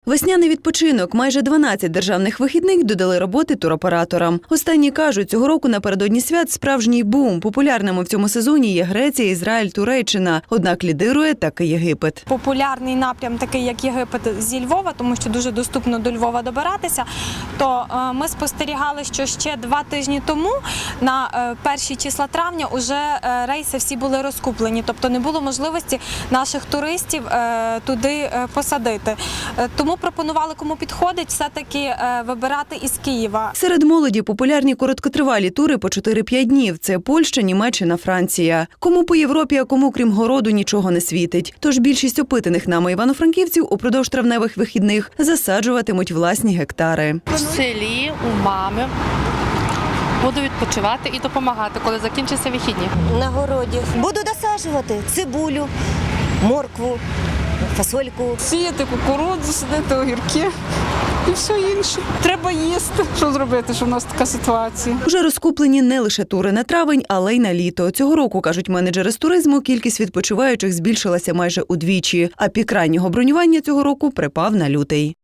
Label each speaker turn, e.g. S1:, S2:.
S1: Весняний відпочинок. Майже 12 державних вихідних додали роботи туроператорам. Останні кажуть, цього року напередодні свят справжній бум. Популярними в цьому сезоні є Греція, Ізраїль, Туреччина. Однак лідирує таки Єгипет.
S2: Популярний напрям такий, як Єгипет, зі Львова, тому що дуже доступно до Львова добиратися, то ми спостерігали, що ще 2 тижні тому, на перші числа травня, уже рейси всі були розкуплені, тобто не було можливості наших туристів туди посадити. Тому пропонували, кому підходить, все-таки вибирати із Києва.
S1: Серед молоді популярні короткотривалі тури по 4-5 днів. Це Польща, Німеччина, Франція. Кому по Європі, а кому, крім городу, нічого не світить. Тож більшість опитаних нами івано-франківців упродовж травневих вихідних засаджуватимуть власні гектари.
S3: В селі, у мами. Буду відпочивати і допомагати, коли закінчаться вихідні.
S4: На городі. Буду досаджувати цибулю, моркву, фасольку.
S5: Сіяти кукурудзу, садити огірки і все інше. Треба їсти. Що зробити, що в нас така ситуація?
S1: Уже розкуплені не лише тури на травень, але й на літо. Цього року, кажуть менеджери з туризму, кількість відпочиваючих збільшилася майже удвічі, а пік раннього бронювання цього року припав на лютий.